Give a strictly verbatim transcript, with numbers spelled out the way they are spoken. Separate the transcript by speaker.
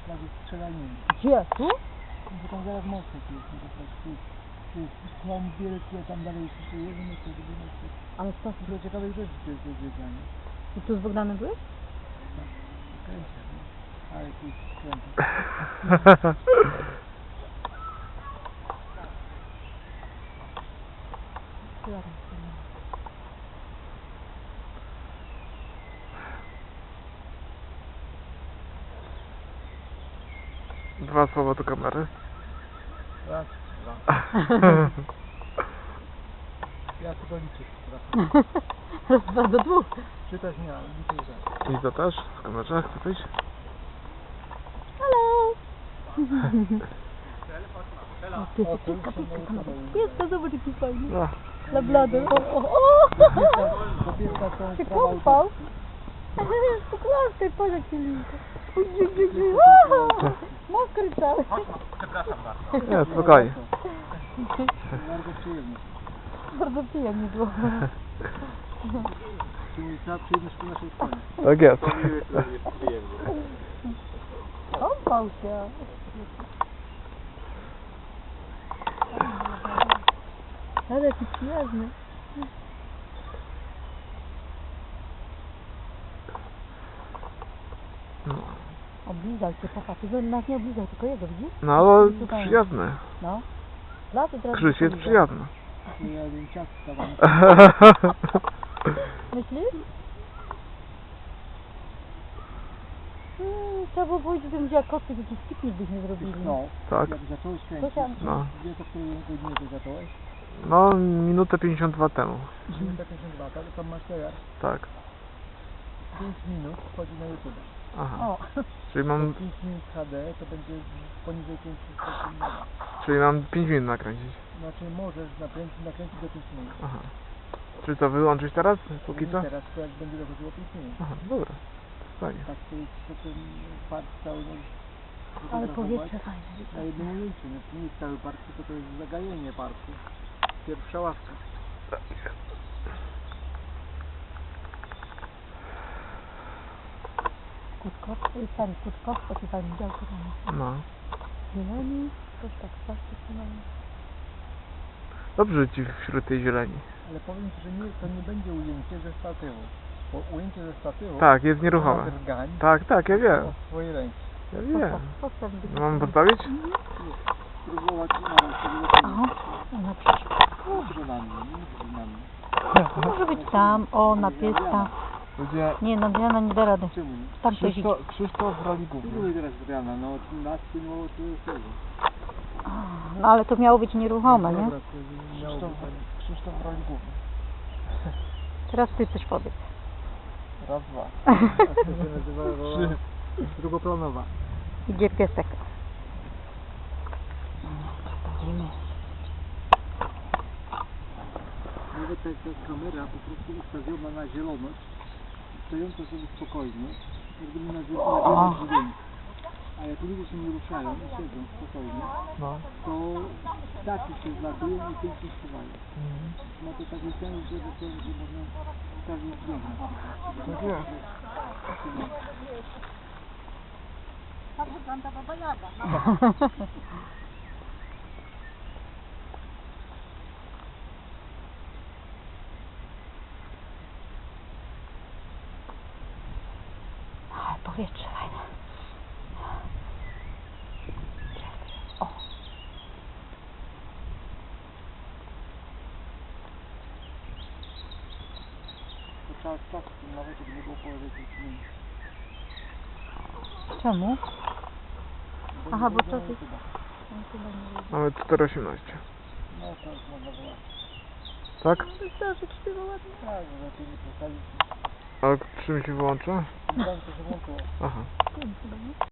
Speaker 1: śladu strzelaniny.
Speaker 2: Gdzie? Tu?
Speaker 1: Bo tam zaraz mostek jest, no to tu, tu jest slum wielki, a tam dalej jeszcze jeden jest, drugi mostek.
Speaker 2: Ale co?
Speaker 1: Dużo ciekawych rzeczy tu jest do zwiedzania.
Speaker 2: I tu z Bogdanem byłeś?
Speaker 1: Tak, kręcę, no. Ale tu jest kręcę.
Speaker 3: Dwa słowa do kamery.
Speaker 1: Raz, dwa. Ja tylko liczę, przepraszam.
Speaker 2: Raz, dwa do dwóch.
Speaker 1: Czytać nie, ale liczę za.
Speaker 3: I to też w kamerze, chce coś?
Speaker 2: Hello! O, ty,
Speaker 1: O,
Speaker 2: ty,
Speaker 1: to
Speaker 2: pieska,
Speaker 1: już się
Speaker 2: pieska,
Speaker 1: nauczyłem.
Speaker 2: kamera. Pieska, zobacz jaki fajny.
Speaker 3: No.
Speaker 2: Lablady. O, o, o!
Speaker 1: Do pieska są
Speaker 2: Się
Speaker 1: prawa
Speaker 2: kąpał. Pokładaj, patrz jaki linka. Mokry cały.
Speaker 1: Przepraszam bardzo.
Speaker 3: Nie, spokojnie.
Speaker 1: Bardzo przyjemnie.
Speaker 2: Bardzo przyjemnie było.
Speaker 1: Czyli cała przyjemność po naszej stronie.
Speaker 3: Tak jest.
Speaker 2: Kąpał się. Ale jaki przyjemny.
Speaker 3: No,
Speaker 2: Oblizał się, papa. Ty nas nie oblizał, tylko jego, widzisz?
Speaker 3: no ale przyjazny.
Speaker 2: No. Lat teraz
Speaker 3: Krzyś jest przyjazny.
Speaker 1: Ja jeden ciast stawam.
Speaker 2: Myślisz? Hmm, trzeba było powiedzieć, że będzie jak koty, jakiś piknik byśmy zrobili.
Speaker 1: No,
Speaker 3: Tak.
Speaker 1: jak zacząłeś
Speaker 2: To
Speaker 1: kręcić,
Speaker 2: tam-
Speaker 3: No.
Speaker 1: wiesz o której godzinie to zacząłeś?
Speaker 3: No, minutę pięćdziesiąt dwa temu.
Speaker 1: Minuta pięćdziesiąt dwa, tak? Tam masz teraz
Speaker 3: Tak.
Speaker 1: pięć minut, wchodzi na YouTube.
Speaker 3: Aha.
Speaker 2: O,
Speaker 3: Czyli mam,
Speaker 1: pięć minut H D to będzie poniżej pięćset sekund.
Speaker 3: czyli mam pięć minut nakręcić.
Speaker 1: Znaczy możesz nakręcić, nakręcić do pięć minut.
Speaker 3: Aha. Czy to wyłączyć teraz? Póki co?
Speaker 1: Teraz to jak będzie dochodziło pięć minut.
Speaker 3: Aha, dobra. Fajnie.
Speaker 1: Tak to jest to ten park cały możesz
Speaker 2: ale
Speaker 1: fotografować
Speaker 2: powietrze fajne.
Speaker 1: na jednym ujęciu. No, to nie jest cały park, tylko to jest zagajenie parku. Pierwsza ławka.
Speaker 2: Kutkowski, stary Kutkowski, taki fajny działko tam.
Speaker 3: No.
Speaker 2: Zieleni, coś tak, coś tak.
Speaker 3: Dobrze ci wśród tej zieleni.
Speaker 1: Ale powiem ci, że nie, to nie będzie ujęcie ze statywu. Bo ujęcie ze statywu
Speaker 3: Tak, jest nieruchome.
Speaker 1: drgań
Speaker 3: Tak, tak, ja wiem.
Speaker 1: od swojej ręki.
Speaker 3: Ja wiem.
Speaker 2: Postaw,
Speaker 3: No, mam postawić?
Speaker 1: Spróbować nawet sobie
Speaker 2: Aha, na przecież.
Speaker 1: Dobrze na mnie, nie na mnie.
Speaker 2: Może być tam, o, na pieska.
Speaker 3: Ludzie...
Speaker 2: Nie, no Diana nie da rady.
Speaker 1: Czemu nie?
Speaker 2: Tam coś idzie.
Speaker 3: Krzysztof, Krzysztof w roli
Speaker 1: Tu
Speaker 3: głównej.
Speaker 1: były teraz Adriana, no nas pilnowało tu jest tego.
Speaker 2: No ale to miało być nieruchome, nie?
Speaker 1: Dobra, to miało
Speaker 3: Krzysztof,
Speaker 1: być tak.
Speaker 3: Krzysztof w roli głównej.
Speaker 2: Teraz ty coś powiedz.
Speaker 3: Raz, dwa.
Speaker 1: To się nazywało
Speaker 3: Trzy.
Speaker 1: drugoplanowa.
Speaker 2: Idzie piesek. Chodzimy.
Speaker 1: Nawet ta, ta kamera po prostu ustawiona na zieloność, stojąca sobie spokojnie, jak gdyby na, zie- na zieloność dźwięk. A jak ludzie się nie ruszają i siedzą spokojnie,
Speaker 3: No.
Speaker 1: to ptaki się zlatują i pięknie śpiewają.
Speaker 3: Mhm.
Speaker 1: Ma to taki sens, że, że, że można każdy dźwięk napisać.
Speaker 3: Tak jest.
Speaker 2: Tak wygląda Baba Jaga. Ale powietrze fajne. O.
Speaker 1: To trzeba czasu, nawet żeby nie było połowy tych dni.
Speaker 2: Czemu?
Speaker 1: Bo
Speaker 2: Aha,
Speaker 1: nie
Speaker 2: bo
Speaker 1: wejdzie
Speaker 2: to
Speaker 1: na
Speaker 2: jest-
Speaker 1: YouTube'a.
Speaker 3: Mamy cztery osiemnaście.
Speaker 1: No to już można było.
Speaker 3: Tak?
Speaker 2: Wystarczy, śpiewa ładnie.
Speaker 1: Tak, że lepiej nie postawić.
Speaker 3: A czym się wyłącza?
Speaker 1: Tym to się włączyło.
Speaker 3: Aha.
Speaker 2: Wiem chyba, nie?